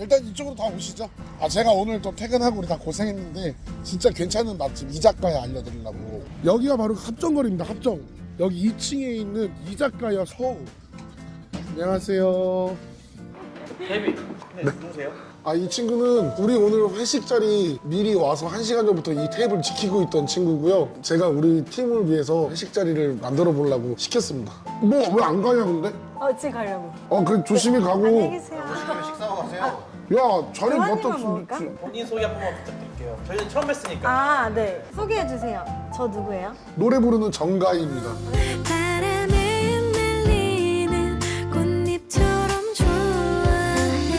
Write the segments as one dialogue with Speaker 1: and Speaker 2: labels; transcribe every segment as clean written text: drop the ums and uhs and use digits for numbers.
Speaker 1: 일단 이쪽으로 다 오시죠. 제가 오늘 또 퇴근하고 우리 다 고생했는데 진짜 괜찮은 맛집 이자카야 알려드리려고. 여기가 바로 합정거리입니다. 합정. 여기 2층에 있는 이자카야 서우. 안녕하세요.
Speaker 2: 데뷔. 네, 누구세요?
Speaker 1: 이 친구는 우리 오늘 회식 자리 미리 와서 1시간 전부터 이 테이블 지키고 있던 친구고요. 제가 우리 팀을 위해서 회식 자리를 만들어 보려고 시켰습니다. 뭐 왜 안 가냐 근데?
Speaker 3: 지금 가려고.
Speaker 1: 그래 조심히 가고.
Speaker 3: 안녕히 계세요.
Speaker 2: 식사하고 가세요.
Speaker 1: 야 자리
Speaker 3: 교환님만
Speaker 1: 갖다
Speaker 3: 먹을까?
Speaker 2: 본인 소개 한 번만 부탁드릴게요. 저희는 처음 뵀으니까.
Speaker 3: 네. 소개해 주세요. 저 누구예요?
Speaker 1: 노래 부르는 정가희입니다.
Speaker 4: 바람에 흩날리는 꽃잎처럼 좋아해.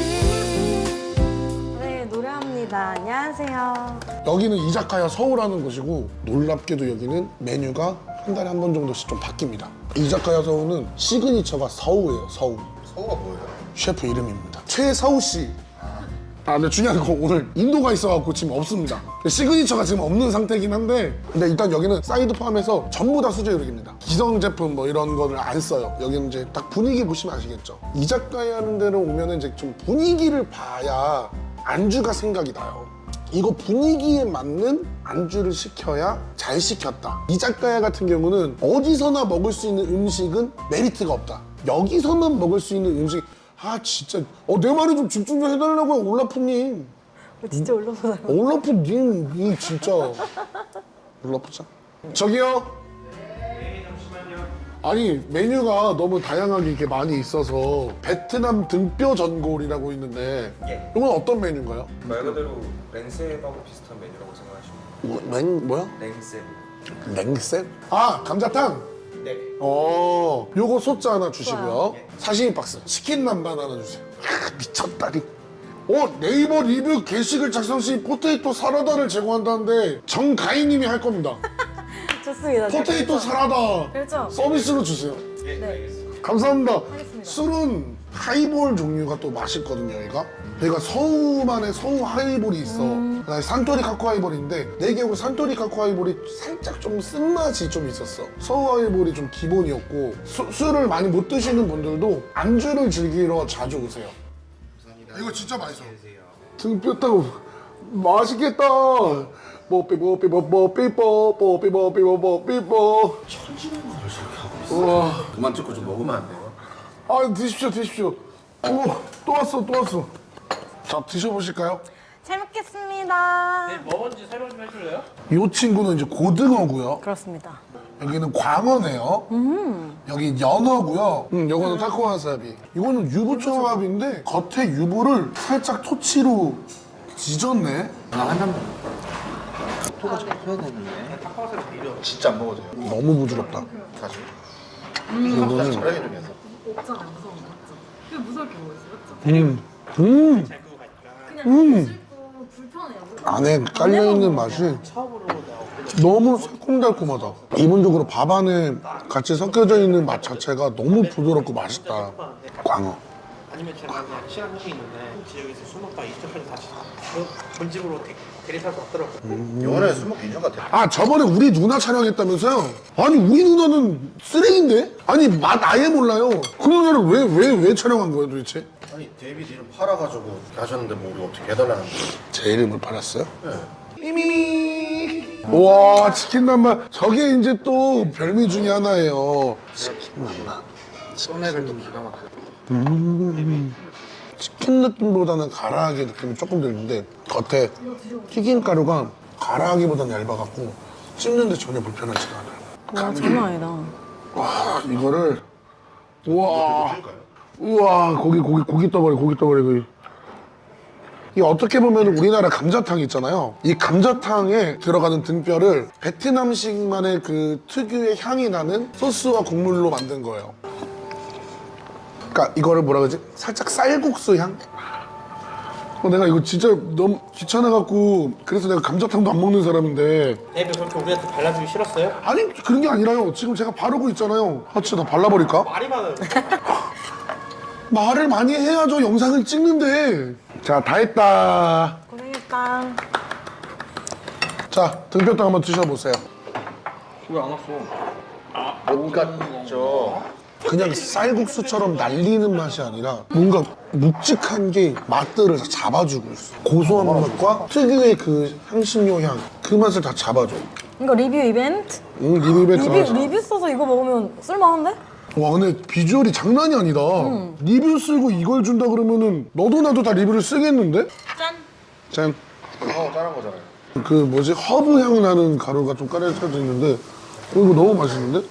Speaker 3: 네, 노래합니다. 안녕하세요.
Speaker 1: 여기는 이자카야 서우라는 곳이고 놀랍게도 여기는 메뉴가 한 달에 한 번 정도씩 좀 바뀝니다. 이자카야 서우는 시그니처가 서우예요. 서우.
Speaker 2: 서우가 뭐예요?
Speaker 1: 셰프 이름입니다. 최서우 씨. 근데 중요한 건 오늘 인도가 있어갖고 지금 없습니다. 시그니처가 지금 없는 상태이긴 한데 근데 일단 여기는 사이드 포함해서 전부 다 수제 요리입니다. 기성 제품 뭐 이런 거를 안 써요. 여기는 이제 딱 분위기 보시면 아시겠죠. 이자카야 하는 데로 오면은 이제 좀 분위기를 봐야 안주가 생각이 나요. 이거 분위기에 맞는 안주를 시켜야 잘 시켰다. 이자카야 같은 경우는 어디서나 먹을 수 있는 음식은 메리트가 없다. 여기서만 먹을 수 있는 음식 진짜 내 말에 좀 집중 좀 해달라고요 올라프님.
Speaker 3: 진짜 올라보다가.
Speaker 1: 올라프님 이 진짜 올라프자. 저기요.
Speaker 2: 네, 잠시만요.
Speaker 1: 아니 메뉴가 너무 다양하게 이렇게 많이 있어서 베트남 등뼈 전골이라고 있는데
Speaker 2: 예.
Speaker 1: 이건 어떤 메뉴인가요?
Speaker 5: 말 그대로 랭셉하고 비슷한 메뉴라고 생각하시면
Speaker 1: 뭐야?
Speaker 5: 랭셉.
Speaker 1: 냉셉? 감자탕?
Speaker 2: 네.
Speaker 1: 요거 소자 하나 주시고요.
Speaker 3: 좋아요.
Speaker 1: 사시미 박스, 치킨 남반 하나 주세요. 미쳤다리. 네이버 리뷰 게시글 작성 시 포테이토 사라다를 제공한다는데 정가희님이 할 겁니다.
Speaker 3: 좋습니다.
Speaker 1: 포테이토 사라다
Speaker 3: 그렇죠?
Speaker 1: 서비스로 주세요.
Speaker 2: 예,
Speaker 3: 네.
Speaker 2: 알겠습니다.
Speaker 1: 감사합니다.
Speaker 3: 하겠습니다.
Speaker 1: 술은 하이볼 종류가 또 맛있거든요, 얘가. 얘가 서우만의 서우 하이볼이 있어. 그다음에 산토리 카쿠 하이볼인데 내 기억으로 산토리 카쿠 하이볼이 살짝 좀 쓴맛이 좀 있었어. 서우 하이볼이 좀 기본이었고 술을 많이 못 드시는 분들도 안주를 즐기러 자주 오세요.
Speaker 2: 감사합니다.
Speaker 1: 이거 진짜 맛있어.
Speaker 2: 계세요.
Speaker 1: 등뼈 따고 맛있겠다. 뽀삐뽀삐뽀삐뽀.
Speaker 2: 천지는 걸 저렇게 하고 있어.
Speaker 1: 우와.
Speaker 2: 그만 찍고 좀 먹으면 안 돼요?
Speaker 1: 드십시오. 또 왔어. 자, 드셔보실까요?
Speaker 3: 잘 먹겠습니다.
Speaker 2: 네, 뭐 뭔지 설명 좀 해줄래요?
Speaker 1: 이 친구는 이제 고등어고요.
Speaker 3: 그렇습니다.
Speaker 1: 여기는 광어네요. 여기 연어고요. 이거는 타코와사비. 이거는 유부초밥인데 겉에 유부를 살짝 토치로 지졌네.
Speaker 2: 토가 잘 펴야 되는데. 타파와사비 비려. 진짜 안 먹어져요.
Speaker 1: 너무 부드럽다.
Speaker 2: 사실.
Speaker 1: 이거는
Speaker 2: 잘하게 중에서.
Speaker 6: 없잖아요, 무서운 거 맞죠? 왜 무섭게 먹었어요, 맞죠?
Speaker 2: 잘 끄고 가니까.
Speaker 6: 그냥 씹고 불편해요.
Speaker 1: 안에 깔려있는 맛이
Speaker 2: 처음으로 나오고.
Speaker 1: 너무 새콤달콤하다. 기본적으로 밥 안에 같이 섞여져 있는 맛 자체가 너무 부드럽고 맛있다. 광어.
Speaker 2: 아니면 제가 그냥 시간 한이 있는데 지역에서 술 먹다가 이쪽까지 다시 본집으로 대리살 수 없더라고요.
Speaker 7: 영원에 술 먹기 인정 같아.
Speaker 1: 저번에 우리 누나 촬영했다면서요? 아니 우리 누나는 쓰레기인데? 아니 맛 아예 몰라요. 그 누나를 왜 촬영한 거예요 도대체?
Speaker 7: 아니 데이비드 이름 팔아가지고 하셨는데 뭐 우리 어떻게 해달라는 거야?
Speaker 1: 제 이름을 팔았어요? 미미. 와 치킨 남반. 저게 이제 또 별미 중에 하나예요. 치킨 남반.
Speaker 7: 소맥을 또 기가 막혀.
Speaker 1: 치킨 느낌보다는 가라하게 느낌이 조금 들는데 겉에 튀김가루가 가라하기보다는 얇아갖고 씹는데 전혀 불편하지가 않아요.
Speaker 3: 와, 장난 아니다.
Speaker 1: 와 이거를 우와 고기 떠버려. 이 어떻게 보면 우리나라 감자탕 있잖아요. 이 감자탕에 들어가는 등뼈를 베트남식만의 그 특유의 향이 나는 소스와 국물로 만든 거예요. 그러니까 이거를 뭐라 그러지? 살짝 쌀국수 향? 내가 이거 진짜 너무 귀찮아갖고 그래서 내가 감자탕도 안 먹는 사람인데
Speaker 2: 데뷔 그렇게 우리한테 발라주기 싫었어요?
Speaker 1: 아니 그런 게 아니라요. 지금 제가 바르고 있잖아요. 진짜 나 발라버릴까?
Speaker 2: 말이 많아요.
Speaker 1: 말을 많이 해야죠. 영상을 찍는데. 자, 다 했다.
Speaker 3: 고생했다.
Speaker 1: 자, 등뼈탕 한번 드셔보세요.
Speaker 5: 왜 안 왔어?
Speaker 7: 못 갔죠.
Speaker 1: 그냥 쌀국수처럼 날리는 맛이 아니라 뭔가 묵직한 게 맛들을 다 잡아주고 있어. 고소한 맛과 특유의 그 향신료 향, 그 맛을 다 잡아줘.
Speaker 3: 이거 리뷰 이벤트?
Speaker 1: 리뷰 이벤트 하자.
Speaker 3: 리뷰 써서 이거 먹으면 쓸만한데?
Speaker 1: 와 근데 비주얼이 장난이 아니다. 리뷰 쓰고 이걸 준다 그러면은 너도 나도 다 리뷰를 쓰겠는데? 짠.
Speaker 7: 짠한 거잖아요.
Speaker 1: 그 뭐지 허브 향 나는 가루가 좀 깔려져 있는데 이거 너무 맛있는데?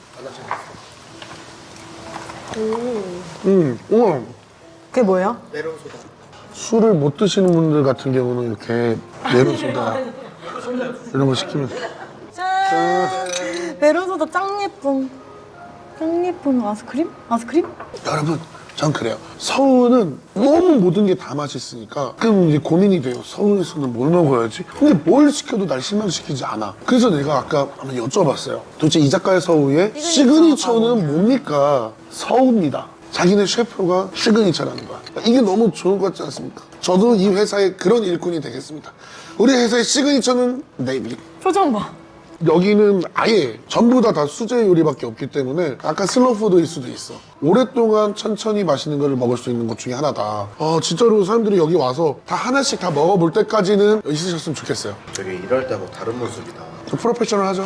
Speaker 1: 우와.
Speaker 3: 그게 뭐예요?
Speaker 1: 술을 못 드시는 분들 같은 경우는 이렇게 메론소다 이런 거 시키면
Speaker 3: 짠! 메론소다 짱 예쁨. 짱 예쁜 아이스크림? 아이스크림?
Speaker 1: 여러분 전 그래요. 서울은 너무 모든 게 다 맛있으니까 그럼 이제 고민이 돼요. 서울에서는 뭘 먹어야지? 근데 뭘 시켜도 날 실망시키지 않아. 그래서 내가 아까 한번 여쭤봤어요. 도대체 이자카야 서우의 시그니처는 뭡니까? 서우입니다. 자기네 셰프가 시그니처라는 거야. 이게 너무 좋은 것 같지 않습니까? 저도 이 회사의 그런 일꾼이 되겠습니다. 우리 회사의 시그니처는 네이비.
Speaker 3: 표정 봐.
Speaker 1: 여기는 아예 전부 다 수제 요리밖에 없기 때문에 약간 슬로푸드일 수도 있어. 오랫동안 천천히 맛있는 걸 먹을 수 있는 것 중에 하나다. 진짜로 사람들이 여기 와서 다 하나씩 다 먹어볼 때까지는 있으셨으면 좋겠어요.
Speaker 7: 되게 일할 때하고 다른 모습이다.
Speaker 1: 좀 프로페셔널 하죠?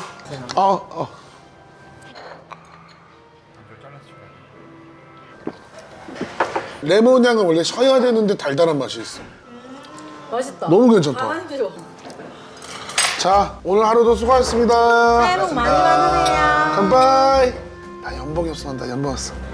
Speaker 1: 레몬 향은 원래 쉬어야 되는데 달달한 맛이 있어.
Speaker 3: 맛있다.
Speaker 1: 너무 괜찮다.
Speaker 3: 한시로.
Speaker 1: 자, 오늘 하루도 수고하셨습니다.
Speaker 3: 새해 복 많이 받으세요.
Speaker 1: 깜빠이. 나 연봉이 없어. 나 연봉 왔어.